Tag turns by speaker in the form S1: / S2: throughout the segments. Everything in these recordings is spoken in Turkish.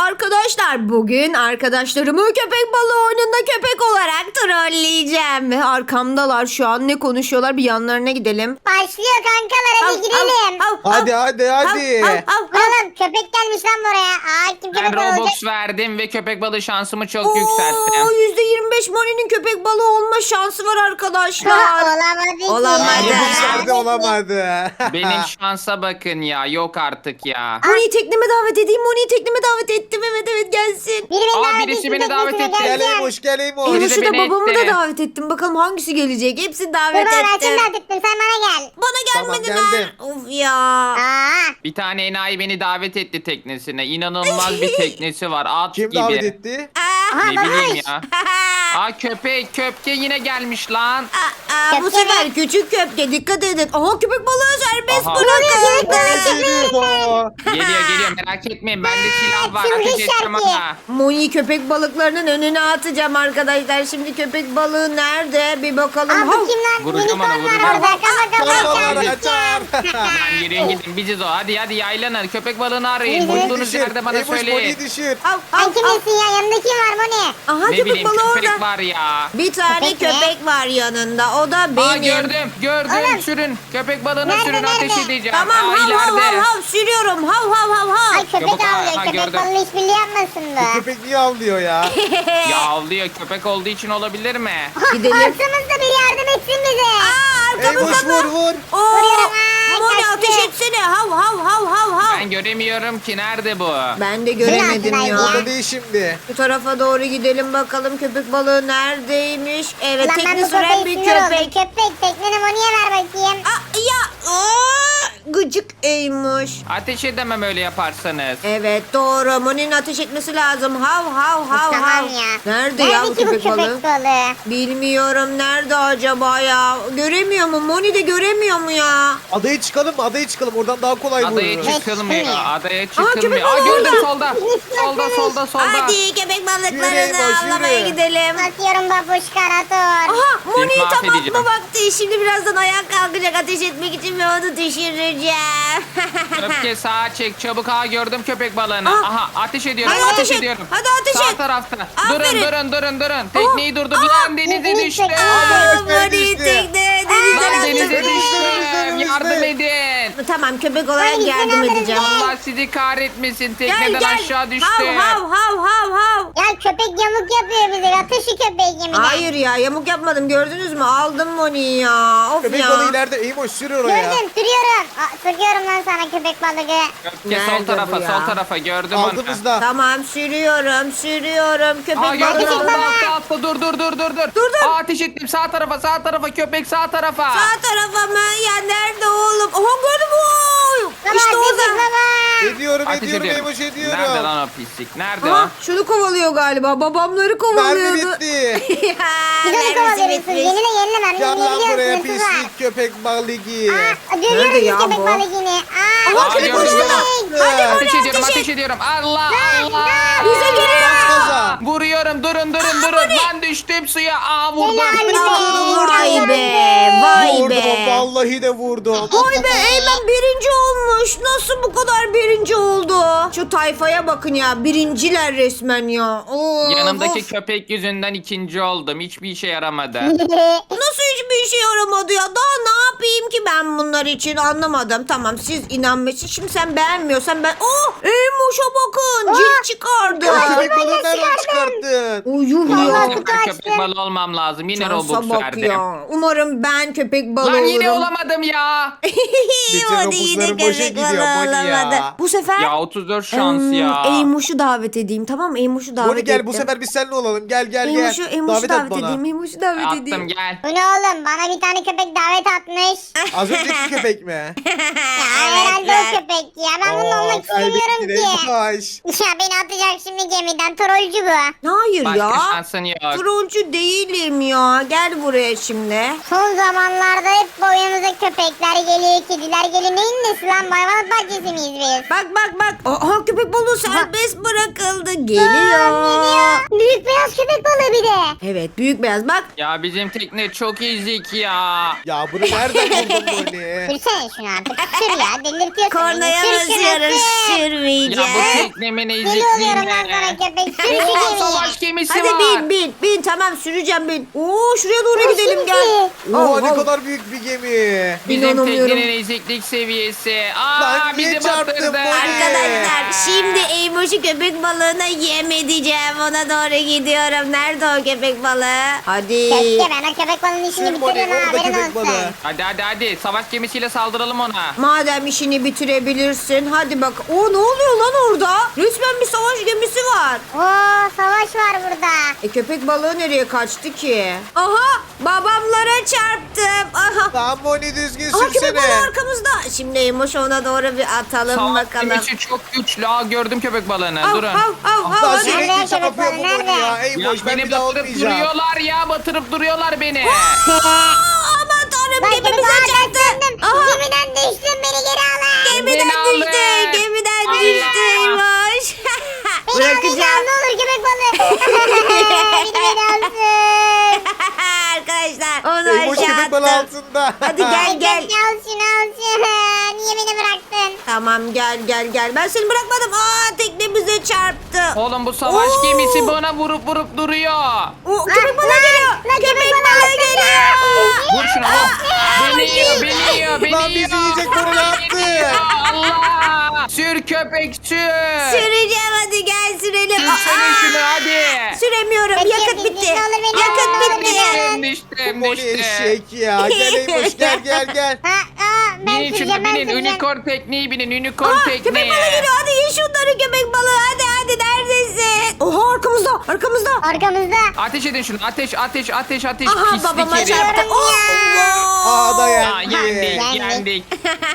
S1: Arkadaşlar bugün arkadaşlarımı köpek balığı oyununda köpek olarak trolleyeceğim. Ve arkamdalar şu an, ne konuşuyorlar, bir yanlarına gidelim.
S2: Başlıyor kankalar, hadi gidelim.
S3: Hadi.
S2: Oğlum köpek gelmiş lan buraya. Kim
S4: Ben
S2: köpek olacak?
S4: Robux verdim ve köpek balığı şansımı çok yükselttim.
S1: %25 Moni'nin köpek balığı olma şansı var arkadaşlar.
S2: Olamadı ki.
S1: Olamadı.
S3: Olamadı.
S4: Benim şansa bakın ya. Yok artık ya.
S1: Moni'yi tekneme davet edeyim. Moni'yi tekneme davet ettim. Evet gelsin.
S2: Biri beni davet
S4: Birisi
S2: etti,
S4: beni davet
S2: teknesine
S4: etti.
S3: Gel
S2: geleceğim.
S3: Eymoş, gel Eymoş.
S4: Biri de
S1: Emoş'u da
S4: beni
S1: babamı
S4: etti.
S1: da davet ettim. Bakalım hangisi gelecek. Hepsini davet
S2: Dur ben
S1: ettim.
S2: davet ettim, sen bana gel.
S1: Bana
S3: Tamam,
S1: gelmediler.
S3: geldim.
S1: Of ya.
S2: Aa,
S4: Bir tane enayi beni davet etti teknesine. İnanılmaz bir teknesi var. At
S3: Kim
S4: gibi.
S3: davet etti?
S2: aha
S4: Ne bileyim
S2: babuş.
S4: ya. Köpke yine gelmiş lan.
S1: Bu
S2: Köpke
S1: sefer
S2: mi?
S1: küçük köpke, dikkat edin. Aha, köpek balığı serbest
S4: Aha.
S1: bırakıldı.
S4: Geliyor merak etmeyin. Bende silah var.
S2: çılgın
S4: Ateş edeceğim
S2: şarkı.
S4: ama.
S1: Moni köpek balıklarının önüne atacağım arkadaşlar. Şimdi köpek balığı nerede? Bir bakalım.
S2: Aa, bu kim lan?
S4: Vuracağım
S2: Unicorn
S4: onu,
S2: var
S4: vuracağım.
S2: orada. Kafa
S3: Kaçar.
S4: Lan yürüyün gidin biziz o. Hadi yaylanın. Köpek balığını arayın.
S2: Yürü.
S4: Bulduğunuz
S3: Düşür.
S4: yerde bana
S3: Eymoş
S4: söyleyin.
S3: Moni'yi düşür.
S1: Al.
S2: Sen kimsin ya? Yanında kim var Moni?
S1: Aha,
S4: Ne
S1: köpek
S4: bileyim
S1: balığı
S4: köpek
S1: orada.
S4: var ya.
S1: Bir tane
S2: Köpek mi?
S1: köpek var yanında. O da benim.
S4: Aa gördüm.
S2: Oğlum.
S4: Sürün. Köpek balığına
S2: Nerede,
S4: sürün ateş
S2: nerede?
S4: edeceğim.
S1: Tamam, hav
S4: ileride.
S1: hav sürüyorum. Hav.
S2: Ay köpek
S4: Çabuk,
S2: avlıyor.
S4: ha,
S2: Köpek
S4: gördüm.
S2: balığı işbirliği yapmasın bu.
S3: Köpek niye avlıyor ya?
S4: Ya avlıyor köpek olduğu için olabilir mi?
S1: Gidelim.
S2: Arkamızda biri yardım etsin bize.
S3: Eymoş vur.
S1: Oo,
S2: Vuruyorum,
S1: Moni
S2: kaçtı.
S1: ateş etsene. Hav.
S4: Ben göremiyorum ki nerede bu?
S1: Ben de göremedim
S2: altındaydı
S1: ya.
S2: ya.
S3: Orada değil şimdi.
S1: Bu tarafa doğru gidelim bakalım, köpek balığı neredeymiş? Evet,
S2: Lan ben
S1: tekne
S2: bu
S1: süren
S2: köpeği
S1: bir
S2: sinir oldum.
S1: köpek.
S2: Köpek tekneni Moni'ye ver bakayım.
S1: Gıcık Eymuş.
S4: Ateş edemem öyle yaparsanız.
S1: Evet doğru. Moni'nin ateş etmesi lazım. Hav.
S2: Tamam ya.
S1: Nerede ya bu
S2: ki bu
S1: köpek balığı?
S2: köpek balığı?
S1: Bilmiyorum. Nerede acaba ya? Göremiyor mu? Moni de göremiyor mu ya?
S3: Adaya çıkalım. Oradan daha kolay
S4: Adaya
S3: vururuz.
S4: çıkılmıyor.
S2: çıkılmıyor.
S4: Adaya
S1: köpek
S4: çıkılmıyor.
S1: balığı
S4: Gördüm
S1: orada.
S4: solda.
S1: Hadi köpek
S3: Yürü
S1: balıklarını
S3: Eymuş,
S1: avlamaya
S3: yürü.
S1: gidelim.
S2: Atıyorum babuş karator.
S1: Aha, Moni'yi tam
S4: mahvedeceğim.
S1: atma vakti. Şimdi birazdan ayağa kalkacak ateş etmek için ve onu düşüreceğim.
S4: Köpke sağa çek çabuk. Gördüm köpek balığını.
S1: Aa.
S4: Aha ateş ediyorum.
S1: Hadi ateş et.
S4: ediyorum.
S1: Hadi ateş
S4: Sağ
S1: et.
S4: tarafta.
S1: Aferin.
S4: Durun. Tekneyi durdur. Lan denize
S2: deniz
S4: düştü.
S2: çek.
S1: Aa,
S3: Moni
S1: Moni
S3: düştü.
S1: tekne
S4: Lan
S1: denizden
S4: denize
S1: attı.
S4: düştüm. Yardım edin.
S1: Tamam, köpek olarak
S2: Hadi
S1: yardım
S2: gitsin
S1: edeceğim.
S2: alırız.
S4: Allah sizi kahretmesin.
S1: Gel
S4: Tekneden
S1: gel.
S4: aşağı düştü.
S1: Hav.
S2: Ya köpek yamuk yapıyor bize. Yatır şu köpeği gemiden.
S1: Hayır ya, yamuk yapmadım, gördünüz mü? Aldım Moni'yi ya. Of
S3: Köpek
S1: ya.
S3: balığı ileride. Eymoş sür oraya.
S2: Gördüm sürüyorum. Sıkıyorum lan sana köpek balığı.
S4: Köpke
S1: Nerede
S4: sol tarafa
S1: bu ya?
S4: sol tarafa gördüm onu.
S3: Aldığımızda.
S1: Tamam, sürüyorum. Köpek
S4: Aa gördüm
S1: balığı.
S4: altta. Dur.
S1: Dur.
S4: Aa, ateş ettim sağ tarafa köpek sağ tarafa.
S1: Sağ tarafa mı? Ya nerede oğlum? Oha, gördüm. Oy.
S2: Baba
S1: İşte
S2: ateş et
S1: orada.
S2: baba.
S3: Ediyorum
S4: Ateş
S3: Eymoş ediyorum.
S4: Nerede lan o pislik? Nerede
S1: Aha,
S4: o?
S1: şunu kovalıyor galiba. Babamları
S3: Mermi
S1: kovalıyordu.
S3: bitti.
S1: Ya,
S2: Biz onu
S1: mermisi
S2: kovalıyoruz.
S1: bitmiş.
S2: Yenile mermi
S3: Gel lan buraya
S2: yiyebiliyorsunuz var.
S3: pislik köpek balığı.
S2: Görüyorum
S1: Nerede ya
S2: köpek
S1: bu?
S2: balığını.
S1: Aha,
S4: köpek
S1: köpek
S4: balığı.
S1: balığı. Hadi Moni,
S4: Ateş ediyorum
S1: ateş et.
S4: ateş ediyorum. Allah.
S1: Bize geliyor.
S3: Bas gaza.
S4: Vuruyorum durun. Lan düştüm suya. Vurdum.
S1: Vay be. Vay
S3: Vurdum.
S1: be.
S3: Vallahi de vurdum.
S1: Vay be, Eymen birinci olmuş. Nasıl bu kadar birinci oldu? Şu tayfaya bakın ya. Birinciler resmen ya.
S4: Yanımdaki
S1: Of.
S4: köpek yüzünden ikinci oldum. Hiçbir işe yaramadı.
S1: Nasıl hiçbir işe yaramadı ya? Daha ne yapayım ki ben bunlar için, anlamadım. Tamam, siz inanmışsın. Şimdi sen beğenmiyorsan ben... Oh! Eymoş'a bakın. Cilt çıkardı.
S3: Köpek balığı nereden çıkarttın?
S1: Uyuh
S4: Vallahi
S1: ya.
S2: kutu
S4: süper köpek
S2: açtım.
S4: balığı olmam lazım. Yine
S1: Şansa
S4: Robux
S1: bak
S4: verdim.
S1: ya. Umarım ben köpek balığı
S4: Lan
S1: olurum.
S4: yine olamadım ya.
S3: Bütün
S1: Hadi yine
S3: Robux'ların boşa
S1: köpek
S3: gidiyor
S1: balığı
S3: Moni ya.
S1: olamadı. Bu sefer...
S4: Ya 34 şans ya.
S1: Eymoş'u davet edeyim, tamam mı? Eymoş'u davet
S3: Moni gel
S1: ettim.
S3: bu sefer biz seninle olalım. Gel.
S1: Eymoş'u
S3: Davet et
S1: davet
S3: bana.
S1: edeyim. Eymoş'u davet
S4: Attım
S1: edeyim.
S4: gel.
S2: Bu ne oğlum? Bana bir tane köpek davet atmış.
S3: Az önceki köpek mi?
S2: Ya herhalde o köpek ya. Ben bununla olmak istemiyorum
S3: kaybettin
S2: ki.
S3: Eymoş.
S2: Ya beni atacak şimdi gemiden. Trollcü bu.
S1: Hayır
S4: Başka
S1: ya.
S4: şansın yok.
S1: Trollcü değilim ya. Gel buraya şimdi.
S2: Son zamanlarda hep boyumuza köpekler geliyor, kediler geliyor. Neyin nesi lan? Hayvanat bahçesi miyiz biz?
S1: Bak bak bak. Aha köpek balığı serbest bırakıldı. Geliyor.
S2: Geliyor. Büyük beyaz köpek balığı bir de.
S1: Evet büyük beyaz bak.
S4: Ya bizim tekne çok ezik ya.
S3: Ya bunu nereden buldun Moni?
S2: Sürsene şunu artık. Sür ya. Delirtiyorsun
S1: Kornaya
S2: beni. Sür şunu,
S1: basıyoruz.
S2: sür.
S4: Ya
S1: Sürmeyeceğiz.
S4: bu teknemin
S2: Deli oluyorum lan sana
S4: ezikliğine.
S2: köpek. Sür şu
S4: Oha,
S2: gemiyi.
S4: savaş gemisi
S1: Hadi
S4: var.
S1: bin tamam süreceğim bin. Oo şuraya doğru gidelim gel.
S3: Oo ne
S1: Oh,
S3: kadar büyük bir gemi.
S4: Bizim
S1: İnanamıyorum.
S4: teknenin eziklik seviyesi. Aa
S3: Lan niye
S4: bizi
S3: çarptın
S4: batırdı.
S3: Moni?
S1: Arkadaşlar şimdi Eymoş'u köpek balığına yem edeceğim. Ona doğru gidiyorum. Nerede o köpek balığı? Hadi.
S2: Keşke ben o köpek balığının işini
S3: Sür Moni
S2: bitiririm ha.
S3: orada
S2: Haberin
S3: köpek
S2: olsun.
S3: balığı.
S4: Hadi savaş gemisiyle saldıralım ona.
S1: Madem işini bitirebilirsin hadi bak. Oo ne oluyor lan orada? Resmen bir savaş gemisi var.
S2: Oo savaş var burada.
S1: Köpek balığı nereye kaçtı ki? Aha babamlara çarptım. Aha.
S3: Lan Moni düzgün
S1: Aha köpek
S3: sürsene.
S1: balığı arkamızda. Şimdi Eymoş ona doğru bir atalım
S4: Savaş
S1: bakalım.
S4: gemisi çok güçlü. Aa gördüm köpek balığını.
S1: Av,
S4: Durun.
S1: av, av, av,
S3: Lan
S1: hadi.
S3: sürekli
S2: Nerede
S3: sana
S2: köpek balığı,
S3: yapıyor bu Moni ya.
S2: nerede?
S3: Ey
S4: Ya
S3: boş ben
S4: beni
S3: bir daha
S4: batırıp
S3: olmayacağım.
S4: duruyorlar ya. Batırıp duruyorlar beni.
S1: Aman tanrım
S2: Bak
S1: gemimize
S2: köpek
S1: çarptı.
S2: balığı
S1: Aha.
S2: gemiden düştüm beni geri alın.
S1: Gemiden
S4: Beni
S1: düştü.
S4: alın.
S1: Gemiden
S4: Allah.
S1: düştü Eymoş.
S2: Beni alın
S1: Bırakacağım.
S2: ne olur köpek balığı. beni alsın.
S1: Arkadaşlar onu
S3: Ey boş
S1: aşağı
S3: köpek balığı
S1: attım.
S3: altında.
S1: Hadi gel gel.
S2: Al şunu al şunu. Niye beni bıraktın?
S1: Tamam gel. Ben seni bırakmadım. Aa teknemize çarptı.
S4: Oğlum bu savaş
S1: Oo.
S4: gemisi bana vurup duruyor.
S1: O köpek balığı geliyor.
S2: Lan
S1: Köpek balığı geliyor.
S4: Vur şunu vur. Beni yiyor.
S3: Lan bizi yiyecek Moni ne yaptı?
S4: Allah. Sür köpek sür.
S1: Süreceğim hadi gel sürelim.
S4: Sürsene şunu hadi.
S1: Süremiyorum.
S2: Peki,
S1: Yakıt
S2: peki,
S1: bitti.
S2: ne olur beni
S1: Yakıt
S2: alın,
S1: bitti.
S4: Düştüm.
S3: Moni eşek ya. Gel ey boş gel.
S2: Ben
S4: Binin
S2: süreceğim
S4: şunu
S2: ben
S4: binin.
S2: süreceğim.
S4: Unicorn tekniği binin. Unicorn
S1: Aa,
S4: tekniği.
S1: köpek balığı geliyor. Hadi ye şunları köpek balığı. Hadi neredesin? Oha arkamızda.
S2: Arkamızda.
S4: Ateş edin şunu. Ateş.
S1: Aha
S4: Pislik
S1: babama
S4: herif.
S1: çarptı. Oh,
S3: Aa da
S4: Aa,
S3: yendi.
S4: yendik.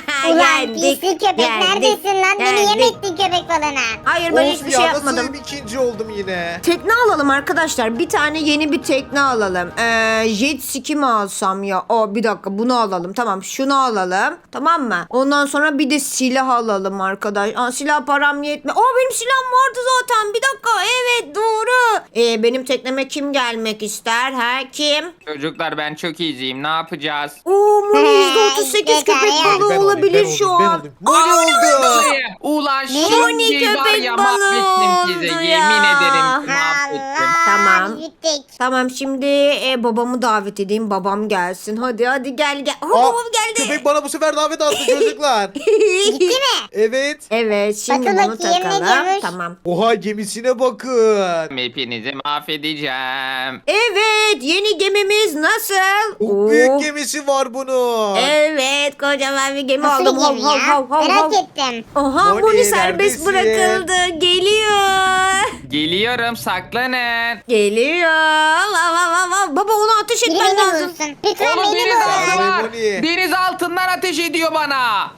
S2: Ulan pislik köpek neredesin lan? Beni yem
S1: Yendik.
S2: ettin köpek balığına.
S1: Hayır ben
S3: Of
S1: hiçbir
S3: ya
S1: şey
S3: nasıl
S1: yapmadım.
S3: ikinci oldum yine.
S1: Tekne alalım arkadaşlar. Bir tane yeni bir tekne alalım. Jet ski mi alsam ya? Bir dakika bunu alalım. Tamam şunu alalım. Tamam mı? Ondan sonra bir de silah alalım arkadaş. Silah param yetme. Benim silahım vardı zaten. Bir dakika. Evet doğru. Benim tekneme kim gelmek ister? Kim?
S4: Çocuklar ben çok iyiyim. Ne yapacağız?
S1: Moni %38
S2: Yeter
S1: köpek
S2: ya.
S1: balığı
S3: Ben olayım,
S1: olabilir
S3: ben
S1: şu
S3: olayım,
S1: an.
S3: Moni oldu.
S4: Ulan
S1: Moni
S4: şimdi var
S1: köpek
S4: ya
S1: balığı
S4: mahvettim size.
S1: oldu
S4: Yemin
S1: ya.
S4: ederim ki mahvettim.
S2: Allah.
S1: Tamam.
S2: biz bittik.
S1: Tamam şimdi babamı davet edeyim. Babam gelsin. Hadi gel.
S3: Aa,
S1: Babam geldi.
S3: köpek bana bu sefer davet attı çocuklar.
S2: Gitti mi?
S3: Evet.
S1: Evet şimdi
S2: Bakın
S1: bunu
S2: bakayım, ne
S1: takalım.
S2: diyormuş?
S1: Tamam.
S3: Oha gemisine bakın.
S4: Hepinizi mahvedeceğim.
S1: Evet yeni gemimiz nasıl?
S3: Çok büyük gemisi var bunun.
S1: Evet kocaman bir gemi
S2: Nasıl
S1: aldım.
S2: bir gemi ya? Merak ettim.
S1: Oha
S3: Moni,
S1: Moni serbest
S3: neredesin?
S1: bırakıldı. Geliyor.
S4: Geliyorum saklanın.
S1: Geliyor. Baba onu ateş
S2: Biri
S1: etmen
S2: beni
S1: lazım.
S2: bulsun. Lütfen
S4: Oğlum
S2: beni
S4: deniz
S2: bulsun.
S4: altı var.
S3: Moni.
S4: Deniz altından ateş ediyor bana.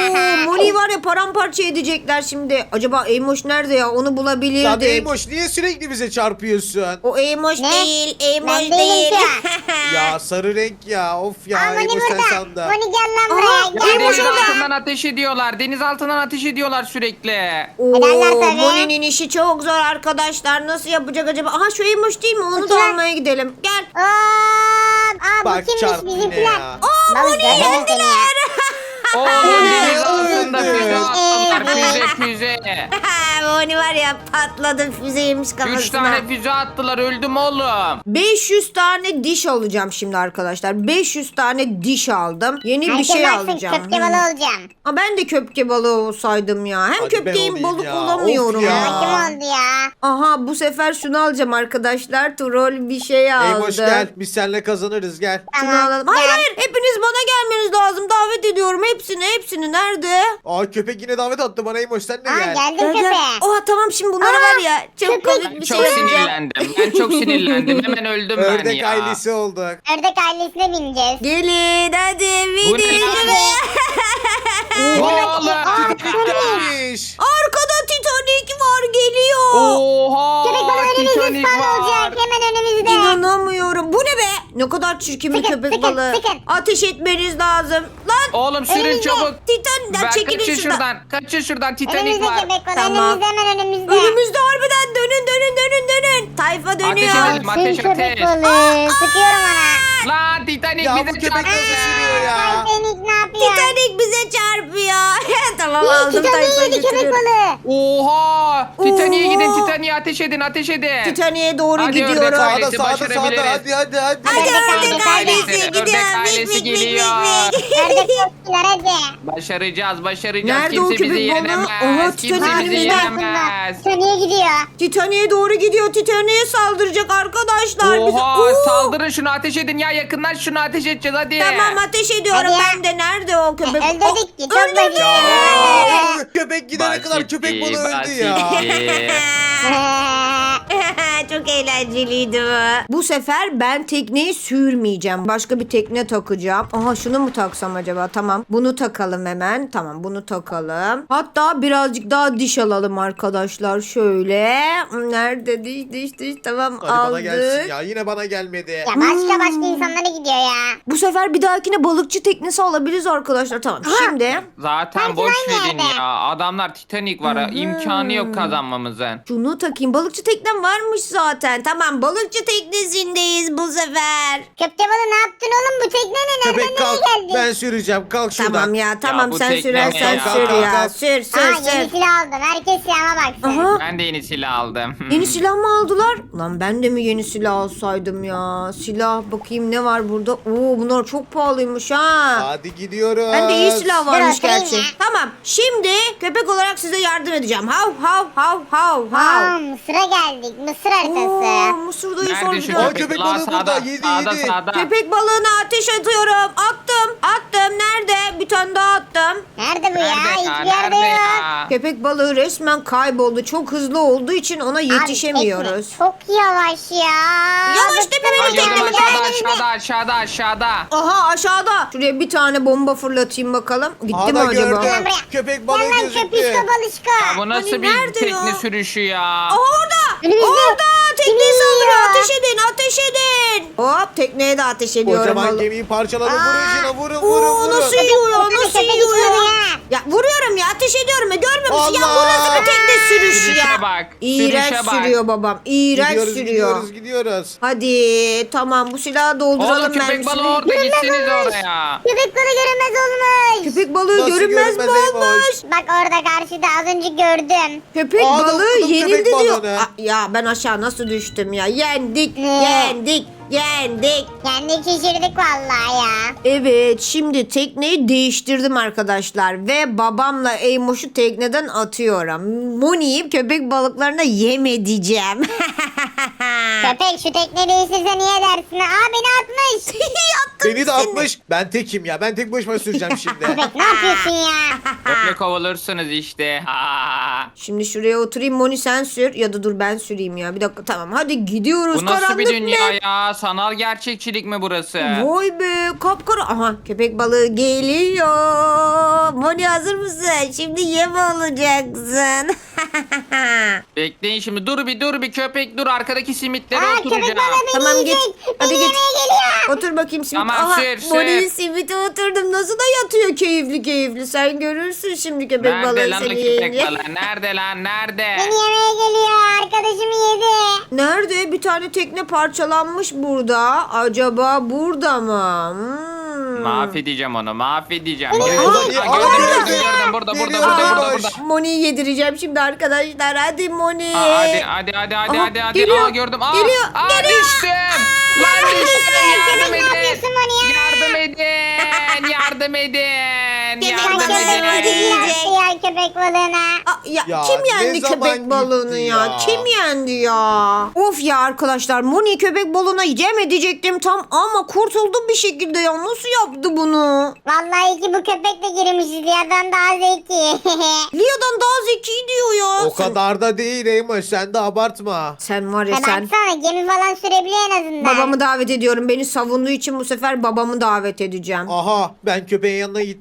S1: Moni var ya paramparça edecekler şimdi. Acaba Eymoş nerede ya? Onu
S3: Lan
S1: bulabilirdik.
S3: Eymoş niye sürekli bize çarpıyorsun?
S1: O Eymoş
S2: Ne?
S1: değil. Eymoş
S2: Ben değilim
S1: değil.
S2: ki.
S3: Ya sarı renk ya. Of ya
S2: Aa Moni
S3: Eymoş sen
S2: burada.
S3: sandın.
S2: Moni gel lan
S1: Aha,
S2: buraya. Gel
S1: Eymoş
S4: Deniz
S1: orada.
S4: altından ateş ediyorlar. Deniz altından ateş ediyorlar sürekli.
S2: Ederler
S1: Oo,
S2: tabii.
S1: Moni'nin işi çok zor arkadaşlar. Nasıl yapacak acaba? Aha şu Eymoş değil mi? Onu da
S2: Bakayım.
S1: almaya gidelim. Gel.
S2: Aa bu
S3: Bak
S2: kimmiş
S3: çarptı yine
S2: bizimkiler?
S3: ya.
S2: Balık gördünüz seni ya.
S4: Oğlum deniz altında
S3: öldü.
S4: füze attılar. Füze.
S1: Moni var ya patladı füzeymiş
S4: 3
S1: kafasına.
S4: tane füze attılar. Öldüm oğlum.
S1: 500 tane diş alacağım şimdi arkadaşlar. 500 tane diş aldım. Yeni bir
S2: Herkes
S1: şey
S2: baksın
S1: alacağım.
S2: köpke balığı olacağım.
S1: Ben de köpke balığı olsaydım ya. Hem
S3: Hadi ben
S1: köpkeğim
S3: olayım
S1: balık
S3: ya.
S1: olamıyorum
S3: Of
S1: ya.
S3: ya.
S2: Kim oldu ya?
S1: Aha bu sefer şunu alacağım arkadaşlar. Troll bir şey aldı.
S3: Eymoş gel. Biz seninle kazanırız gel.
S1: Şunu
S2: Tamam,
S1: alalım. Hayır
S2: gel.
S1: hayır hepiniz bana gelmeniz lazım. Davet ediyorum hepsini. Nerede?
S3: Aa köpek yine davet attı bana Eymoş sen de
S2: Aa
S3: gel.
S2: geldim
S1: Gel, gel.
S2: köpeğe.
S1: Oha tamam şimdi bunlara var ya. Çok
S2: köpek.
S1: komik
S4: Ben
S1: bir
S4: çok
S1: şey yapacağım.
S4: sinirlendim. Ben çok sinirlendim. Hemen öldüm ben
S3: Ördek
S4: ya.
S3: ailesi olduk.
S2: Ördek ailesine bineceğiz.
S1: Gelin hadi
S4: Bu ne
S1: videoyu.
S4: Bu ne oğlum?
S3: Gelmiş.
S1: Arkada Titanic var geliyor.
S4: Oha.
S2: Köpek balığı önümüzde
S4: Titanic
S2: spawn
S4: var.
S2: olacak. Hemen
S1: ne kadar çirkin bir
S2: Sıkın,
S1: köpek
S2: sıkın,
S1: balığı.
S2: sıkın.
S1: Ateş etmeniz lazım. Lan
S4: Oğlum sürün
S2: Önümüzde.
S4: çabuk.
S1: Titan
S4: Ben
S1: çekilin
S4: kaçın
S1: şuradan.
S4: şuradan. Kaçın şuradan. Titanik
S2: Önümüzde
S4: var.
S2: köpek balığı.
S1: Tamam.
S2: Önümüzde hemen önümüzde.
S1: Önümüzde harbiden dönün. Tayfa dönüyor.
S4: Ateş edelim.
S2: Sür
S4: Ateş,
S2: köpek
S4: ateş.
S2: balığı. Sıkıyorum ona.
S4: Lan Titanik
S3: Ya bu
S4: bize
S3: köpek
S4: çarptı.
S3: nasıl sürüyor ya?
S2: Titanic ne yapıyor?
S1: Titanic bize çarpıyor. Tamam
S2: İyi,
S1: aldım
S2: Titanic
S1: Tayfa'yı
S2: yedi köpek
S1: götürüyorum.
S2: balığı.
S4: Oha! Titanik'e gidin.
S1: Oha.
S4: Titanik'e ateş edin. Ateş edin.
S1: Titanic'e doğru
S4: Hadi ördek
S1: gidiyorum.
S4: ailesi.
S3: Sağda sağda
S4: başarabiliriz.
S3: hadi.
S1: Hadi
S2: Ördek
S1: ördek
S2: ailesi,
S1: ailesi
S4: ördek
S1: gidiyor.
S4: ailesi
S1: Mik, mik, mik,
S4: geliyor.
S1: mik, mik.
S2: Ördek topçular hadi.
S4: Başaracağız.
S1: Nerede o
S4: Kimse bizi
S1: köpek balığı?
S4: yenemez.
S1: Oha,
S4: Kimse
S1: Titanik
S4: bizi
S1: önümüzde.
S4: yenemez.
S2: Titanic'e gidiyor.
S1: Titanic'e doğru gidiyor. Titanic'e saldıracak arkadaşlar. Bizi-
S4: Oha!
S1: Oo.
S4: Saldırın şunu ateş edin ya. Yakından şunu ateş edeceğiz hadi.
S1: Tamam ateş ediyorum
S2: Hadi ya.
S1: ben de. Nerede o köpek?
S2: Öldürdük ki. Çok
S1: öldürdük.
S2: basit.
S3: Ya köpek gidene kadar köpek balığı öldü ya.
S4: basitti.
S1: Çok eğlenceliydi bu. Bu sefer ben tekneyi sürmeyeceğim. Başka bir tekne takacağım. Aha şunu mu taksam acaba? Tamam. Bunu takalım hemen. Tamam bunu takalım. Hatta birazcık daha diş alalım arkadaşlar. Şöyle. Nerede diş. Tamam
S3: Hadi bana
S1: aldık.
S3: gelsin ya. Yine bana gelmedi.
S2: Ya başka insanlara gidiyor ya.
S1: Bu sefer bir dahakine balıkçı teknesi alabiliriz arkadaşlar. Tamam şimdi
S4: Zaten
S2: Herkes
S4: boş
S2: aynı
S4: verin
S2: yerde.
S4: ya. Adamlar Titanic var. ha. İmkanı yok kazanmamızın.
S1: şunu takayım. Balıkçı teknem varmış zaten. Tamam balıkçı teknesindeyiz bu sefer.
S2: Köpte balığı ne yaptın oğlum? Bu tekne ne? Nereden
S3: Köpek kalk.
S2: nereye geldin?
S3: Ben süreceğim. Kalk şuradan.
S1: Tamam ya tamam
S4: bu
S1: sen
S4: tekne
S1: sür
S4: ne
S1: sen
S4: ya?
S1: sür
S3: Kalk,
S1: ya.
S3: kalk.
S1: Sür
S2: Aa
S1: sür.
S2: yeni silah aldım. Herkes silahıma baksın.
S1: Aha.
S4: Ben de yeni silah aldım.
S1: Yeni silah mı aldılar? Lan ben de mi yeni silah alsaydım ya? Silah bakayım ne var burada? Oo bunlar çok pahalıymış ha.
S3: Hadi gidiyoruz.
S1: Ben de iyi silah varmış
S2: oturayım
S1: gerçi.
S2: ya.
S1: Tamam şimdi köpek olarak size yardım edeceğim. Hav.
S2: Aa Mısır'a geldik. Mısır
S1: Oo,
S2: haritası.
S1: Mısır'dayız
S4: Nerede şu
S1: harbiden.
S3: Aa,
S4: köpek?
S3: köpek
S4: Lan
S3: balığı burada.
S4: sağda,
S3: Yedi,
S4: sağda,
S3: yedi.
S4: sağda.
S1: Köpek balığına ateş atıyorum. Attım. Nerede? Bir tane daha attım.
S2: Nerede bu ya?
S4: Nerede ya?
S2: Hiçbir yerde
S4: Nerede
S2: yok.
S4: ya?
S1: Köpek balığı resmen kayboldu. Çok hızlı olduğu için ona
S2: Abi,
S1: yetişemiyoruz.
S2: tekne çok yavaş ya.
S1: Yavaş
S2: Bıktım
S1: deme,
S2: ben
S1: benim
S4: Gördüm
S1: teknemi
S4: aşağıda.
S1: Aha aşağıda. Şuraya bir tane bomba fırlatayım bakalım. Gitti
S3: Aha
S1: mi
S3: da
S1: acaba?
S3: gördüm.
S2: Gel buraya.
S3: Köpek balığı
S2: Gel lan
S3: gözüktü.
S2: köpüşko balışko.
S4: Ya bu nasıl
S1: Hani
S4: bir
S1: nerede
S4: tekne
S1: ya?
S4: sürüşü ya?
S1: Aha orada.
S2: Önümüzde.
S1: Orada. Tekneye
S2: Kim
S1: saldırıyor.
S2: yiyor?
S1: Ateş edin. Hop tekneye de ateş ediyorum.
S3: Kocaman
S1: vallahi.
S3: gemiyi parçaladım. Vurun şuna vurun.
S1: Oo nasıl yiyor ya?
S2: Köpek
S1: Nasıl
S2: köpek
S1: yiyor
S2: yiyor
S1: ya?
S2: ya.
S1: Ya vuruyorum ya ateş ediyorum ya. Görmüyor musun? Ya bu
S3: Allah!
S1: nasıl bir tekne sürüşü
S4: Sürüşe
S1: ya?
S4: bak,
S1: İğrenç
S4: sürüşe bak.
S1: sürüyor babam. İğrenç sürüyor.
S3: Gidiyoruz.
S1: Hadi tamam bu silahı dolduralım
S4: Oğlum köpek
S1: mermisini.
S4: balığı orada gitsiniz oraya.
S2: Köpek balığı görünmez olmuş.
S1: Köpek balığı
S3: Nasıl
S1: görünmez mi
S3: görünmez
S1: olmuş?
S2: Bak orada karşıda az önce gördüm.
S1: Köpek
S3: Aa,
S1: balığı
S3: dokundum
S1: yenildi
S3: köpek
S1: diyor.
S3: balığına.
S1: Ya ben aşağı nasıl düştüm ya? Yendik.
S2: Ne?
S1: Yendik.
S2: Kendi şişirdik vallahi ya.
S1: Evet şimdi tekneyi değiştirdim arkadaşlar ve babamla Eymoş'u tekneden atıyorum. Moni'yi köpek balıklarına yem edeceğim.
S2: Köpek şu tekne değiştirse niye dersin? Aa beni atmış.
S1: Attım
S3: Beni de atmış. Ben tekim ya. Ben tek başıma süreceğim şimdi.
S2: Köpek ne yapıyorsun ya?
S4: Böyle kovulursunuz işte.
S1: Şimdi şuraya oturayım Moni sen sür ya da dur ben süreyim ya. Bir dakika tamam hadi gidiyoruz.
S4: Bu nasıl bir
S1: Karanlık
S4: dünya
S1: ne?
S4: ya? Sanal gerçekçilik mi burası?
S1: Vay be kapkara. Aha köpek balığı geliyor. Moni hazır mısın? Şimdi yem olacaksın.
S4: Bekleyin şimdi. Dur bir köpek dur. Arkadaki simitlere
S2: Aa köpek
S4: oturacağım.
S2: balığı beni
S1: Tamam, git.
S2: yiyecek.
S1: Hadi
S2: Beni
S1: git.
S2: yemeye geliyor.
S1: Otur bakayım simit.
S4: Tamam,
S1: Aha
S4: sür.
S1: Moni'nin simite oturdum. Nasıl da yatıyor keyifli. Sen görürsün şimdi köpek
S4: Nerede
S1: balığı
S4: lan o
S1: seni
S4: köpek
S1: yiyince.
S4: balığı? Nerede lan? Nerede?
S2: Beni yemeye geliyor. Arkadaşımı yedi.
S1: Nerede? Bir tane tekne parçalanmış burada. Acaba burada mı?
S4: Mahvedeceğim onu. Mahvedeceğim.
S2: Aa,
S4: Gördüm,
S3: niye-
S4: gördüm,
S3: Aa,
S4: gördüm,
S3: nerede?
S4: gördüm. Burada.
S3: Geliyor.
S1: Moni'yi yedireceğim şimdi arkadaşlar. Hadi Moni.
S4: Hadi.
S1: Aha, geliyor.
S4: Aa, gördüm.
S1: Geliyor.
S4: Düştüm. Lan düştüm. Yardım
S2: Ne yapıyorsun
S4: edin.
S2: Moni ya?
S4: Yardım edin.
S1: Köpek
S2: Sen
S1: balığı
S2: köpek balığı
S1: yiyecek.
S2: yaptı ya köpek balığına.
S1: Ya,
S3: Ya,
S1: kim
S3: ne
S1: yendi
S3: zaman
S1: köpek balığını
S3: gitti
S1: ya?
S3: ya?
S1: Kim yendi ya? Of ya arkadaşlar Moni köpek balığına yem edecektim tam ama kurtuldum bir şekilde ya. Nasıl yaptı bunu?
S2: Vallahi ki bu köpek de girmişiz yerden daha zeki.
S1: Lia'dan daha zeki diyor ya.
S3: O kadar da değil Eymoş. Sen de abartma.
S1: Sen var ya
S2: Ha,
S1: sen.
S2: baksana gemi falan sürebiliyor en azından.
S1: Babamı davet ediyorum. Beni savunduğu için bu sefer babamı davet edeceğim.
S3: Aha ben köpeğin yanına gittim bu sefer.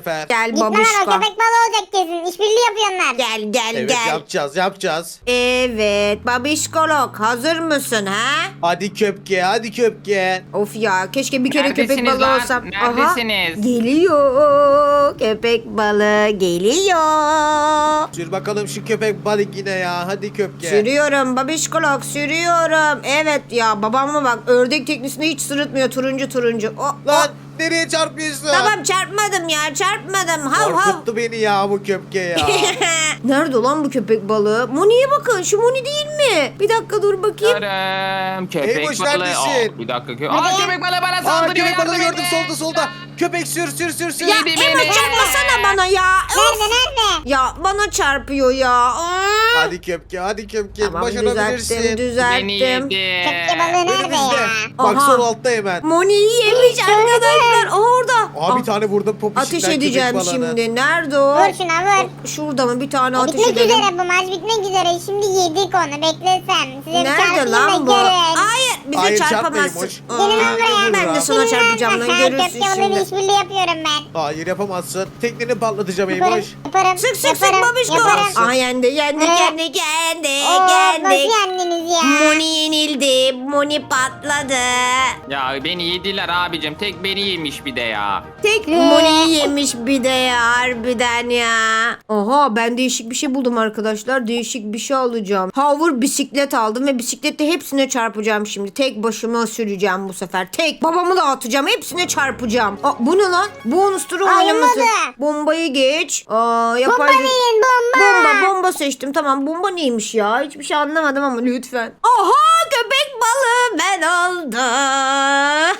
S3: sefer.
S1: Gel
S2: Gitme lan, o
S1: babişko.
S2: köpek balığı olacak kesin. İşbirliği yapıyorlar.
S1: Gel
S3: Evet
S1: gel.
S3: yapacağız.
S1: Evet babişkolog hazır mısın ha?
S3: Hadi köpke hadi köpke.
S1: Of ya keşke bir kere köpek
S4: Neredesiniz
S1: balığı
S4: lan?
S1: olsam.
S4: Neredesiniz?
S1: Geliyor. Köpek balığı geliyor.
S3: Sür bakalım şu köpek balık yine ya. Hadi köpke.
S1: Sürüyorum babişkolog sürüyorum. Evet ya babama bak ördek teknesinde hiç sırıtmıyor turuncu.
S3: Lan nereye çarpıyorsun?
S1: Tamam çarpmadım ya çarpmadım. Hav hav.
S3: Korkuttu beni ya bu köpke ya.
S1: Nerede lan bu köpek balığı? Moni'ye bakın şu Moni değil mi? Bir dakika dur bakayım.
S4: Görüm. Köpek
S3: Eymoş,
S4: balığı.
S3: neredesin?
S4: Bir dakika. Köpek balığı bana
S3: Aa
S4: saldırıyor.
S3: köpek balığı
S4: yardım
S3: gördüm
S4: edin.
S3: solda. Köpek sür.
S1: Ya
S4: Yedi
S1: Emma
S4: beni.
S1: çarpmasana bana ya. Of.
S2: Nerede?
S1: Ya bana çarpıyor ya.
S3: Hadi köpke.
S1: Tamam
S3: Başarabilirsin.
S1: düzelttim.
S4: Beni yedi.
S2: Köpke balığı nerede
S3: Önümüzde.
S2: ya?
S3: Bak
S1: Aha.
S3: sol altta hemen.
S1: Moni'yi yemiş arkadaşlar. Orada.
S3: Aa bir tane vurdum popişinden
S1: Ateş
S3: köpek
S1: edeceğim
S3: balığını.
S1: şimdi. Nerede o?
S2: Vur şuna vur.
S1: Şurada mı bir tane ateş
S2: Bitmek
S1: edelim?
S2: üzere bu maç bitmek üzere. Şimdi yedik onu, beklesen. Size bir
S1: Nerede
S2: çarpayım da
S1: lan bu?
S2: görün.
S1: Hayır bize
S3: Hayır,
S1: çarpamazsın.
S3: çarpmayın,
S2: Gelin lan buraya.
S1: Ben de sana çarpacağım lan görürsün
S2: Köpke balığıyla
S1: şimdi.
S2: işbirliği yapıyorum ben.
S3: Hayır yapamazsın. Tekneni patlatacağım
S2: Yaparım,
S3: Eymoş.
S2: yaparım.
S1: Sık sık
S2: yaparım,
S1: babişko.
S2: yaparım.
S1: Aa yendi.
S2: Oo, nasıl yendiniz ya?
S1: Moni yenildi. Moni patladı.
S4: Ya beni yediler abicim. Tek beni yemiş bir de ya.
S1: Tek Moni'yi yemiş bir de ya harbiden ya. Oha ben değişik bir şey buldum arkadaşlar. Değişik bir şey alacağım. Hover bisiklet aldım ve bisiklette hepsine çarpacağım şimdi. Tek başıma süreceğim bu sefer. Tek babamı da atacağım. Hepsine çarpacağım. Aa, bu ne lan? Bonus turu
S2: Ay,
S1: oynaması.
S2: olmadı.
S1: Bombayı geç.
S2: Bomba
S1: Yapay
S2: neyin bomba?
S1: Bomba seçtim. Tamam bomba neymiş ya? Hiçbir şey anlamadım ama lütfen. Aha köpek balığı ben oldum.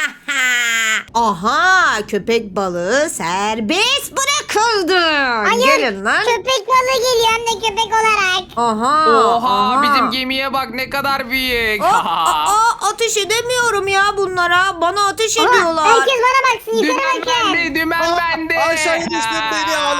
S1: Aha köpek balığı serbest bırakıldı. Gelin lan.
S2: Köpek balığı geliyor hem de köpek olarak.
S1: Aha.
S4: Oha bizim gemiye bak ne kadar büyük.
S1: Ateş edemiyorum ya bunlara. Bana ateş ediyorlar.
S2: Herkes bana baksın, yukarı
S4: Dümen
S2: bakın.
S4: bende, dümen bende.
S3: Aşağıya düştüm beni alın.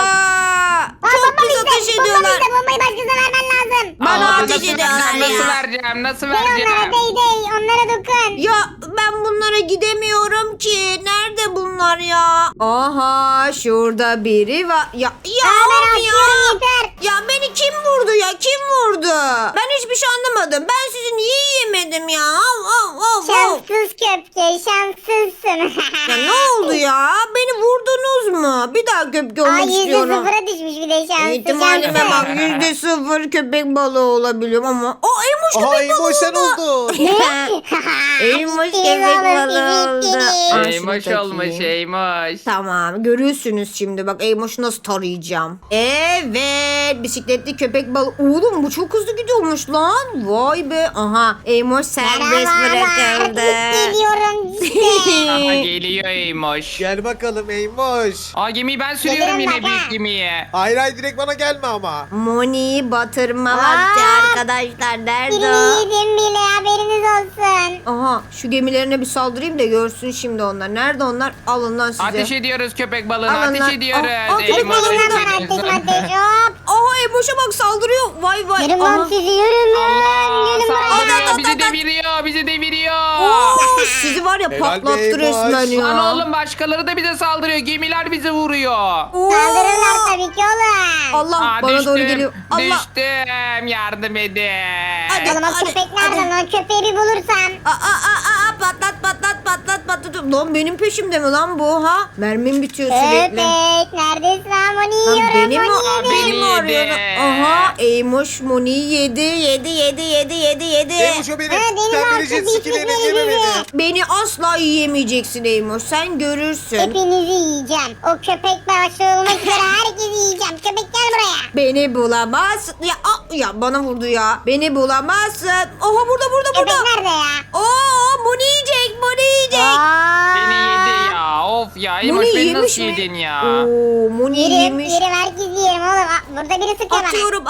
S1: Çok pis ateş ediyorlar.
S2: Bombayı başkasına vermen lazım.
S1: Bana
S4: Aa,
S1: ateş
S4: nasıl
S1: ediyorlar
S4: vereceğim, Nasıl
S1: ya.
S4: vereceğim? Nasıl
S2: Onlara
S4: vereceğim?
S2: değ, onlara dokun.
S1: Ya ben bunlara gidemiyorum ki. Nerede bunlar ya? Aha şurada biri var. Ya
S2: Ben
S1: of
S2: atıyorum
S1: ya.
S2: yeter.
S1: Ya beni kim vurdu ya? Kim vurdu? Ben hiçbir şey anlamadım. Ben sizi niye yiyemedim ya? Of.
S2: Şanssız köpke, şanssızsın.
S1: Ya ne oldu ya? Beni vurdunuz mu? Bir daha köpek olmak istiyorum.
S2: %0'a düşmüş bir de şansı.
S1: İhtimalime bak %0 köpek balığı olabiliyorum ama. O Eymoş
S3: Aha
S1: köpek balığı
S3: Eymoş sen
S1: oldu.
S3: oldun.
S1: Eymoş
S2: Siz
S1: köpek
S2: olun,
S1: balığı
S2: siz
S1: oldu.
S2: gittiniz.
S1: Aa, şunu
S4: Eymoş
S1: takayım.
S4: olmuş Eymoş.
S1: Tamam görürsünüz şimdi bak Eymoş'u nasıl tarayacağım. Evet bisikletli köpek balığı. Oğlum bu çok hızlı gidiyormuş lan. Vay be. Aha Eymoş serbest bırakıldı.
S2: Geliyorum
S4: Aha,
S2: işte.
S4: geliyor Eymoş.
S3: Gel bakalım Eymoş.
S4: Aa gemiyi ben sürüyorum
S2: Gelirim
S4: yine
S2: bak ha.
S4: büyük gemiye.
S3: Hayır direkt bana gelme ama.
S1: Moni'yi batırma vakti arkadaşlar. Nerede
S2: Birini
S1: o?
S2: yedim bile, haberiniz olsun.
S1: Aha şu gemilerine bir saldırayım da görsün şimdi onlar. Nerede onlar? Alın lan size.
S4: Ateş ediyoruz köpek balığına.
S1: Alın lan.
S4: Ateş ediyoruz.
S1: Köpek
S4: Eymoş,
S1: balığına
S2: Elimden
S1: da
S2: var
S4: Eymoş.
S2: ateş hop.
S1: Aha Eymoş'a bak saldırıyor. Vay vay.
S2: Yürüm
S1: Aha.
S2: lan sizi, yürüm lan.
S4: Allah
S2: Gelin buraya.
S4: saldırıyor. Bizi deviriyor. Bizi deviriyor.
S1: Oo, sizi var ya
S3: Helal
S1: patlattı
S3: be Eymoş.
S1: resmen ya.
S4: Lan oğlum başkaları da bize saldırıyor. Gemiler bizi vuruyor.
S1: Oo.
S2: Saldırırlar tabii ki oğlum.
S1: Allah
S4: Aa,
S1: bana
S4: düştüm,
S1: doğru geliyor. Allah.
S4: Düştüm. Yardım edin.
S1: Hadi.
S2: Oğlum o köpek nerede? O köpeği bir bulursam.
S1: Patlat. Lan benim peşimde mi lan bu ha? Mermim bitiyor sürekli.
S2: Köpek neredesin lan? Onu
S1: Lan
S2: yiyorum.
S1: beni mi,
S2: Onu yedim.
S1: beni mi
S4: Beni
S1: arıyor?
S4: yedi.
S1: Aha Eymoş Moni'yi yedi.
S3: Eymoş o benim.
S2: Ha, benim
S3: Sen beni
S2: artık
S3: jet ski'den
S2: hiçbir
S3: yeme beni.
S2: bilmiyorum.
S1: Beni asla yiyemeyeceksin Eymoş. Sen görürsün.
S2: Hepinizi yiyeceğim. O köpek başı olmak üzere herkesi yiyeceğim. Köpek gel buraya.
S1: Beni bulamazsın. Ya bana vurdu ya. Beni bulamazsın. Oha burada.
S2: Köpek nerede ya?
S1: Oo Moni yiyecek.
S4: Beni yedi ya. Of ya. Eymoş
S1: Moni
S4: beni
S1: yemiş
S4: nasıl
S1: mi?
S4: yedin ya?
S1: Oo Moni
S2: Yerim,
S1: yemiş.
S2: yerim herkesi yerim oğlum. Burada biri sıkıyor bana.
S1: Atıyorum.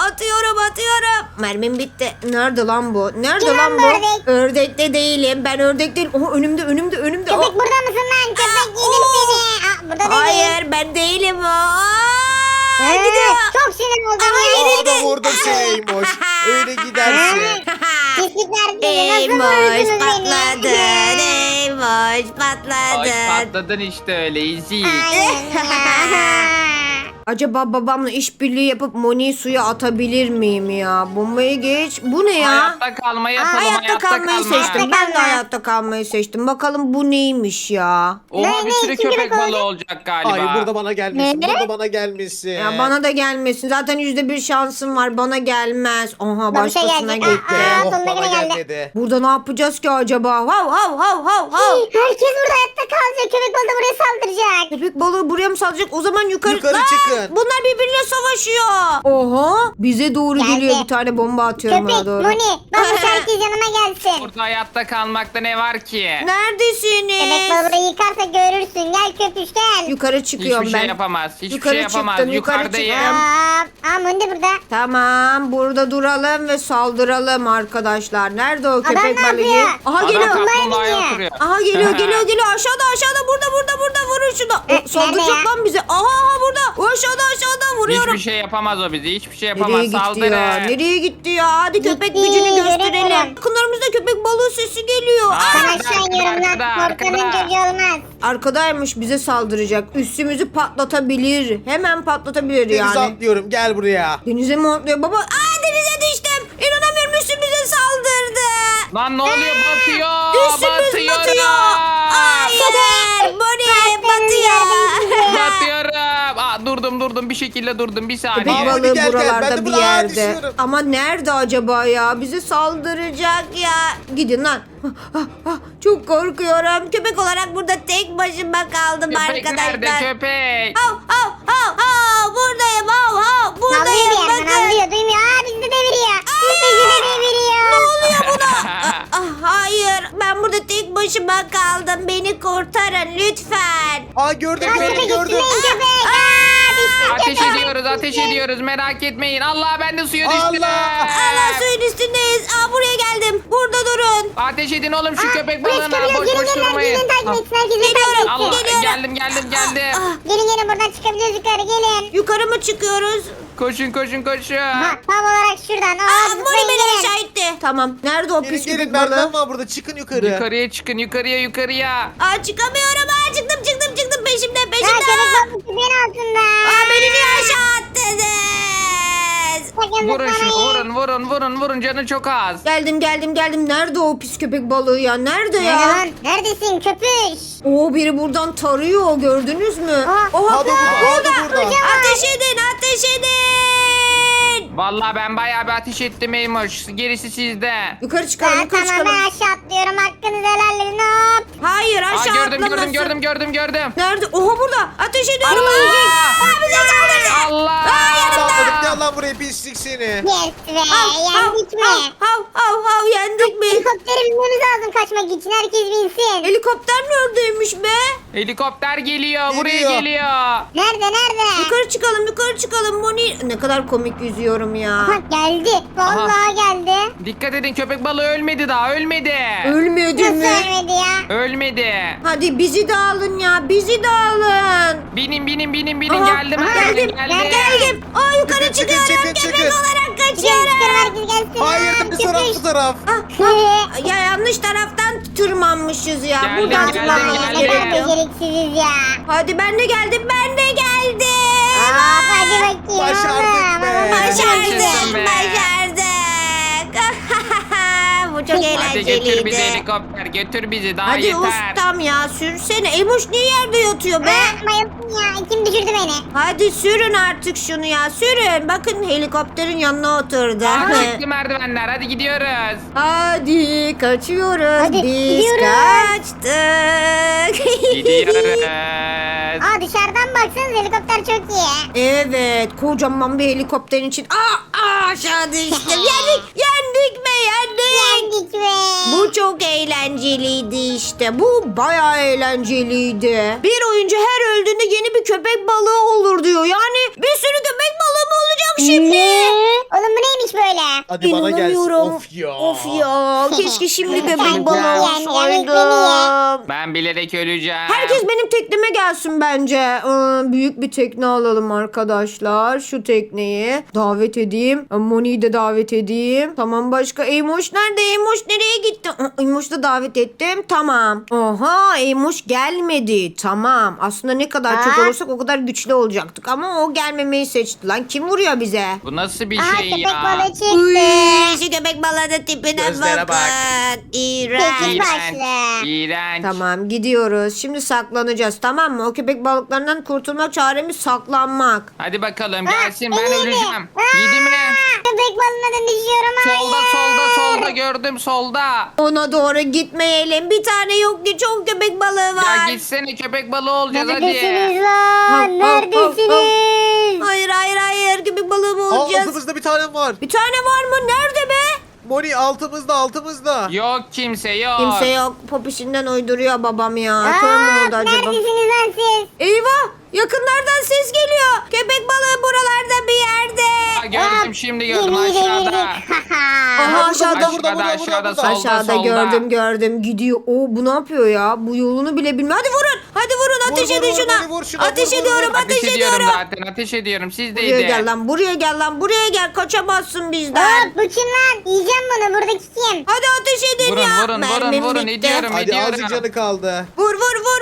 S1: Mermim bitti. Nerede lan bu? Nerede
S2: Kim
S1: lan
S2: lan
S1: bu?
S2: bu ördek?
S1: Ördekte değilim. Ben ördek değilim. Oha önümde.
S2: Köpek
S1: Oh.
S2: burada mısın lan? Köpek
S1: Oo.
S2: yedim seni. Burada da değil.
S1: Hayır ben değilim o.
S2: Ee,
S1: Gidiyor.
S2: Çok sinir oldum.
S3: Aa da vurdum seni Eymoş. Öyle gidersin.
S2: Pislikler sizi nasıl
S1: Eymoş
S2: vurdunuz
S1: patladı.
S2: beni?
S1: Eymoş Hoş patladın.
S4: Hoş patladın işte öyle easy.
S2: Aynen.
S1: Acaba babamla işbirliği yapıp Moni'yi suya atabilir miyim ya? Bombayı geç. Bu ne ya?
S4: Hayatta kalmayı yapalım.
S1: Hayatta kalmayı
S4: kalma.
S1: seçtim. Ben de hayatta kalmayı seçtim. Bakalım bu neymiş ya?
S4: Oha
S2: Ne,
S4: bir
S2: ne,
S4: sürü
S2: kim
S4: köpek
S2: köpek
S4: balığı olacak galiba.
S3: Hayır burada bana gelmesin.
S2: Ne?
S3: Burada bana gelmesin.
S1: Ya bana da gelmesin. Zaten %1 şansım var. Bana gelmez. Aha
S2: Bana bir şey
S1: başkasına
S2: gelecek.
S1: gitti.
S2: Aa,
S3: Oh,
S2: sonuna
S3: bana
S2: göre geldi.
S3: gelmedi.
S1: Burada ne yapacağız ki acaba? Hav hav hav hav hav.
S2: Herkes burada hayatta kalacak. Köpek balığı da buraya saldıracak.
S1: Köpek balığı buraya mı salacak? O zaman yukarı...
S3: Yukarı
S1: Lan!
S3: çıkın.
S1: Bunlar birbiriyle savaşıyor. Oha. Bize doğru
S2: Geldi.
S1: geliyor. Bir tane bomba atıyorum
S2: Köpek
S1: ona doğru.
S2: Moni. Babuş herkes yanıma gelsin.
S4: Burada hayatta kalmakta ne var ki?
S2: Köpek
S1: Neredesiniz?
S2: balığı yıkarsa görürsün. Gel köpüş gel.
S1: Yukarı çıkıyorum
S4: Hiçbir
S1: ben.
S4: şey yapamaz. Hiçbir
S1: Yukarı
S4: şey yapamaz.
S1: çıktım, yukarı
S4: Yukarıdayım.
S1: çıktım.
S2: Aa, Moni de burada.
S1: Tamam. Burada duralım ve saldıralım arkadaşlar. Nerede o köpek
S2: ne
S1: balığı?
S2: yapıyor?
S1: Aha
S4: Adam
S1: geliyor.
S4: kaplumbağaya
S2: biniyor.
S4: oturuyor.
S1: Aha geliyor geliyor aşağıda burada vurun şunu. O, saldıracak
S2: nerede ya?
S1: lan bize. Aha burada o aşağıda vuruyorum.
S4: Hiçbir şey yapamaz o bizi. Hiçbir şey yapamaz.
S1: Nereye gitti
S4: Saldırın.
S1: ya? Nereye gitti ya? Hadi köpek
S2: Gitti,
S1: gücünü gösterelim.
S2: göremiyorum.
S1: Yakınlarımızda köpek balığı sesi geliyor.
S4: Aa,
S1: Aa!
S2: Ben aşağı iniyorum lan.
S4: arkada,
S2: Korkanın
S4: arkada.
S2: çocuğu olmaz.
S1: Arkadaymış bize saldıracak. Üstümüzü patlatabilir. Hemen patlatabilir
S3: Denize
S1: yani.
S3: atlıyorum gel buraya.
S1: Denize mi atlıyor baba? Aa denize düştüm. İnanamıyorum üstümüze saldırdı.
S4: Lan ne oluyor? Batıyor.
S1: Üstümüz
S4: Batıyorum.
S1: batıyor. Hayır. Bonnie batıyor.
S4: Batıyorum. Aa, durdum. Bir şekilde durdum. Bir
S1: Köpek
S4: saniye.
S3: Aa,
S1: balığı
S3: hadi gel, gel. Ben
S1: buralarda
S3: de
S1: bir
S3: buraya
S1: yerde.
S3: düşüyorum.
S1: Ama nerede acaba ya? Bize saldıracak ya. Gidin lan. Çok korkuyorum. Köpek olarak burada tek başıma kaldım
S4: Köpek nerede
S1: arkadaşlar.
S4: köpek?
S1: Buradayım.
S2: Nalıyor
S1: Buradayım.
S2: bir yerden
S1: Bakın.
S2: nalıyor. Duymuyor. Aa bizi de deviriyor. Bizi de deviriyor.
S1: Ne oluyor buna? Hayır. Ben burada tek başıma kaldım. Beni kurtarın lütfen.
S3: Aa gördüm
S2: Aa,
S3: gördüm
S2: köpek
S3: gördüm.
S2: üstüne köpek. Aa düştüm
S4: Ateş
S2: köpek.
S4: ediyoruz merak etmeyin. Allah ben de suya düştüm.
S3: Allah!
S1: Allah suyun üstündeyiz. Buraya geldim. Burada durun.
S4: Ateş edin oğlum şu köpek
S2: Buraya
S4: balığına
S2: çıkabiliyoruz.
S4: boş boş
S2: Gelin
S4: durmayın.
S2: herkes beni takip etsin. Herkes beni
S1: Geliyorum.
S2: takip
S4: Allah
S2: etsin.
S4: geldim.
S2: Gelin buradan çıkabiliyoruz yukarı gelin.
S1: Yukarı mı çıkıyoruz?
S4: Koşun.
S2: Ha, tam olarak şuradan. Aa
S1: Mori
S2: zıplayın
S1: beni
S2: gelin.
S1: aşağı itti. Tamam. Nerede o
S3: Gelin
S1: pis
S3: gelin
S1: köpek
S3: merdiven
S1: balığı?
S3: var burada çıkın yukarı.
S4: Yukarıya çıkın yukarıya.
S1: Çıkamıyorum. Çıktım peşimden.
S2: Ha köpek balığı küpeğin altında.
S1: Beni niye aşağı attınız?
S2: Sakın
S4: Vurun şunu
S2: zıplamayın.
S4: vurun canı çok az.
S1: Geldim. Nerede o pis köpek balığı ya? Nerede
S2: Nerede
S1: ya?
S2: lan? Neredesin köpüş?
S1: Biri buradan tarıyor. Gördünüz mü?
S2: Aa,
S1: Oha
S3: Hadi burada.
S1: Ateş edin.
S4: Vallahi ben bayağı bir ateş ettim Eymoş. Gerisi sizde.
S1: Yukarı çıkalım.
S2: Tamam ben aşağı atlıyorum. Hakkınızı helal edin. Hop.
S1: Hayır aşağı atlamasın.
S4: Gördüm.
S1: Nerede? Oha burada. Ateş ediyorum.
S4: Allah!
S1: Bize saldırdı.
S4: Allah!
S3: Atladık gel lan buraya pislik seni.
S2: Yes be. Yendik mi?
S1: Hav yendik mi?
S2: Helikoptere binmemiz lazım kaçmak için. Herkes binsin.
S1: Helikopter neredeymiş be?
S4: Helikopter geliyor. Buraya
S3: Geliyor.
S4: geliyor.
S2: Nerede?
S1: Yukarı çıkalım Moni. Ne kadar komik yüzüyorum ya.
S2: Aha, geldi. Vallahi geldi.
S4: Dikkat edin köpek balığı ölmedi daha. Ölmedi.
S1: Ölmedi
S2: Nasıl
S1: mi?
S2: ölmedi ya?
S4: Ölmedi.
S1: Hadi bizi de alın ya. Bizi de alın.
S4: Binin.
S1: Aha,
S4: Geldim.
S1: Geldim. Yukarı
S3: Çıkın,
S1: çıkıyorum.
S3: çıkın.
S1: Köpek olarak
S2: Çıkın
S1: kaçıyorum.
S2: herkes gelsin.
S3: Hayır
S2: Aa,
S3: bu taraf
S2: köpüş.
S3: bu taraf.
S1: Ya yanlış taraftan tırmanmışız ya.
S4: Geldim,
S1: Buradan
S4: geldim,
S1: tırmanmamız
S2: Ne kadar
S4: geldim.
S1: gerekiyor.
S2: beceriksiziz ya.
S1: Hadi ben de geldim.
S2: Hadi bakayım.
S3: Başardık be.
S4: Yaşasın be.
S1: Başardık. Bu çok
S4: Hadi
S1: eğlenceliydi.
S4: götür bizi helikopter. Götür bizi daha
S1: Hadi
S4: yeter.
S1: ustam ya sürsene. Emoş niye yerde yatıyor be?
S2: Bayıldım ya. Kim düşürdü beni?
S1: Hadi sürün artık şunu ya sürün. Bakın helikopterin yanına oturdu.
S4: Çıktı merdivenler. Hadi gidiyoruz.
S1: Hadi kaçıyoruz.
S2: Hadi,
S1: Biz
S2: gidiyoruz.
S1: kaçtık.
S4: Gidiyoruz.
S2: Aa dışarıdan baksanız helikopter çok iyi.
S1: Evet kocaman bir helikopterin için. Aşağı düştüm. Yendik be.
S2: Yendik be.
S1: Bu çok eğlenceliydi işte. Bu bayağı eğlenceliydi. Bir oyuncu her öldüğünde yeni bir köpek balığı olur diyor. Yani bir sürü köpek balığı mı olacak şimdi.
S2: Oğlum bu neymiş böyle?
S3: Hadi bana gelsin.
S1: İnanamıyorum.
S3: Of ya.
S1: Of ya. Keşke şimdi köpek
S2: Sen
S1: balığı
S2: yiyen,
S1: olsaydım.
S4: Ben bilerek öleceğim.
S1: Herkes benim tekneme gelsin bence. Büyük bir tekne alalım arkadaşlar. Şu tekneyi davet edeyim. Moni'yi de davet edeyim. Tamam, başka Eymoş nerede? Eymoş nereye gitti? Eymoş'u da davet ettim. Tamam. Oha, Eymoş gelmedi. Tamam. Aslında ne kadar çok olursak o kadar güçlü olacaktık. Ama o gelmemeyi seçti. Lan kim vuruyor bize?
S4: Bu nasıl bir
S2: Aha
S4: şey
S2: köpek
S4: ya?
S2: balığı çıktı.
S1: Uy, şu köpek balığının tipine
S3: Gözlere bak.
S1: bakın. İğrenç.
S2: Sekiz
S4: İğrenç.
S2: başlı.
S4: İğrenç.
S1: Tamam, gidiyoruz. Şimdi saklanacağız, tamam mı? O köpek balıklarından kurtulmak çaremiz saklanmak.
S4: Hadi bakalım gelsin ben
S2: beni yedi.
S4: öleceğim. Yedi mi?
S2: Köpek balığına düşüyorum.
S4: Solda
S2: hayır.
S4: solda gördüm solda.
S1: Ona doğru gitmeyelim. Bir tane yok ki, çok köpek balığı var.
S4: Ya gitsene köpek balığı olacağız
S2: Neredesiniz
S4: hadi.
S2: lan?
S1: Hav, hav,
S2: Neredesiniz?
S1: Hayır hayır hayır, köpek balığı mı olacağız?
S3: Altımızda bir tane var.
S1: Bir tane var mı? Nerede be?
S3: Moni altımızda.
S4: Yok kimse yok.
S1: Kimse yok. Popişinden uyduruyor babam ya. Kör mü oldu acaba?
S2: Neredesiniz lan siz?
S1: Eyvah! Yakınlardan ses geliyor. Köpek balığı buralarda bir yerde.
S4: Aa, gördüm şimdi gördüm
S2: Gemiyi
S4: aşağıda.
S2: devirdik.
S1: Aha, aşağıda.
S4: Aşağıda solda
S1: Aşağıda
S4: solda.
S1: gördüm gidiyor. Bu ne yapıyor ya? Bu yolunu bile bilmiyor. Hadi vurun. Hadi vurun, ateş
S3: Vur,
S1: edin
S3: vur,
S1: şuna.
S3: vur, vur şuna,
S1: Ateş
S3: vur, vur,
S1: ediyorum,
S3: vur.
S1: ateş
S4: Ateş ediyorum
S1: ediyorum.
S4: zaten ateş ediyorum sizdeydi.
S1: Buraya gel lan, buraya gel lan, buraya gel. Kaçamazsın bizden.
S2: Hop bu kim lan? Yiyeceğim bunu. Buradaki kim?
S1: Hadi ateş edin
S4: Vurun,
S1: ya.
S4: vurun,
S1: Mermim
S4: vurun,
S1: bitti.
S4: ediyorum.
S3: Hadi azıcık canı kaldı.
S1: Vur.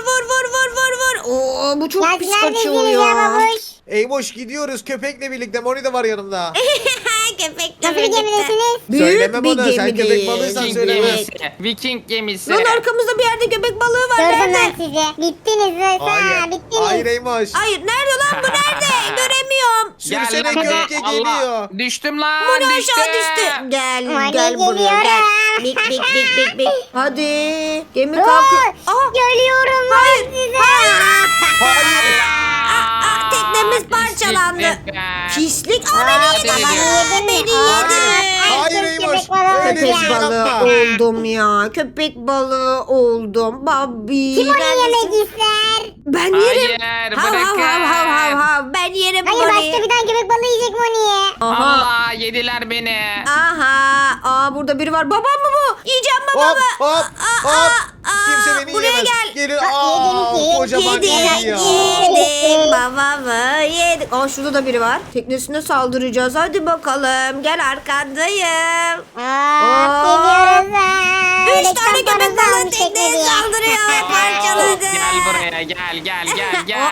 S1: Oo, bu çok
S2: Ya
S1: pis
S2: siz neredesiniz
S1: kaçıyor
S2: ya
S1: ya.
S2: babuş?
S3: Eymoş gidiyoruz köpekle birlikte. Moni de var yanımda.
S1: Köpekle
S2: Nasıl bir gemidesiniz?
S1: Büyük
S3: Söyleme
S1: bir
S3: bana, sen
S1: gemideyiz.
S3: köpek balığıysan
S4: Viking
S3: söyleme.
S4: gemisi. Viking gemisi.
S1: Lan arkamızda bir yerde köpek balığı var.
S2: Gördüm
S1: Nerede?
S2: ben sizi. Bittiniz lan.
S3: Hayır.
S2: Bittiniz.
S3: Hayır Eymoş.
S1: Hayır, nerede lan bu, nerede? Göremiyorum.
S3: Sürsene
S4: lan
S3: gölge
S4: be. Allah.
S3: geliyor.
S4: Düştüm lan
S1: Moni
S4: düştüm.
S1: aşağı düştü. Gel
S2: Moni
S1: gel buraya gel.
S2: geliyorum.
S1: Bik. Hadi. Gemi
S2: Dur.
S1: kalkıyor. Aha.
S2: Görüyorum
S1: Hayır,
S2: lan sizi.
S3: Hayır.
S1: Teknemiz parçalandı.
S4: Pislik be.
S1: Pislik. Aa,
S4: Hadi
S1: beni yedi.
S4: gidiyorum.
S1: Beni
S3: Hayır.
S1: yedi.
S3: Hayır Eymoş.
S2: Köpek balığı
S3: Öyle bir
S1: Köpek
S3: şey
S1: balığı
S3: yapma.
S1: oldum ya. Köpek balığı oldum. Babi.
S2: Kim onu
S1: neredesin?
S2: yemek ister?
S1: Ben yerim.
S4: Hayır
S1: Hav
S4: bırakın.
S1: hav. Ben yerim
S2: Hayır
S1: Moni.
S2: başka bir tane köpek balığı yiyecek Moni'ye.
S1: Aha.
S4: Allah yediler beni.
S1: Aha. Burada biri var. Babam mı bu? Yiyeceğim babamı.
S3: Hop. Kimse beni
S1: buraya
S3: yiyemez.
S1: gel.
S3: Gelin.
S2: Yedin,
S3: Kocaman geliyor.
S1: Yedim babamı yedik. Şurada da biri var. Teknesine saldıracağız. Hadi bakalım. Gel, arkandayım.
S2: Geliyoruz lan.
S1: 3
S2: Reklam
S1: tane köpek
S2: parası
S1: balığı
S2: almış
S1: tekneye
S2: tekneye.
S1: saldırıyor ve parçaladı.
S4: Gel buraya gel.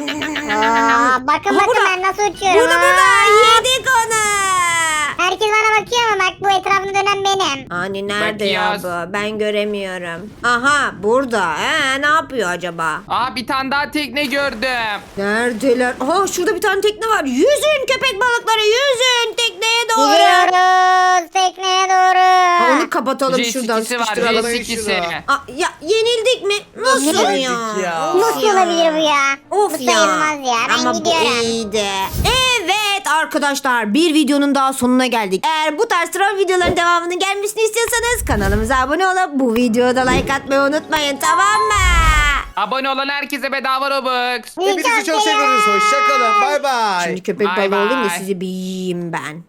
S2: Bakın
S1: burada.
S2: ben nasıl uçuyorum.
S1: Burada.
S2: Aa.
S1: Yedik onu.
S2: Herkes bana bakıyor ama bak bu etrafında dönen benim.
S1: Hani nerede ya
S4: Bakıyoruz.
S1: bu? Ben göremiyorum. Aha, burada. Ne yapıyor acaba?
S4: Aa bir tane daha tekne gördüm.
S1: Neredeler? Aha, şurada bir tane tekne var. Yüzün köpek balıkları, yüzün tekneye doğru.
S2: Gidiyoruz tekneye doğru.
S1: Onu kapatalım, şuradan
S4: J2'si var
S1: sıkıştıralım.
S4: J2'si.
S1: Ya yenildik mi? Nasıl
S3: yenildik
S1: ya?
S3: ya?
S1: Of
S2: Nasıl olabilir bu ya?
S1: Of
S2: bu
S1: ya.
S2: sayılmaz ya. Ben
S1: Ama
S2: gidiyorum.
S1: bu iyiydi. Evet arkadaşlar, bir videonun daha sonuna geldik. Eğer bu tarz troll videoların devamının gelmesini istiyorsanız kanalımıza abone olup bu videoda like atmayı unutmayın, tamam mı?
S4: Abone olan herkese bedava Robux.
S3: Hepinizi çok seviyoruz. Hoşçakalın. Bay bay.
S1: Şimdi köpek
S4: Bye
S1: balığı olayım da
S4: bye.
S1: sizi bir yiyeyim ben.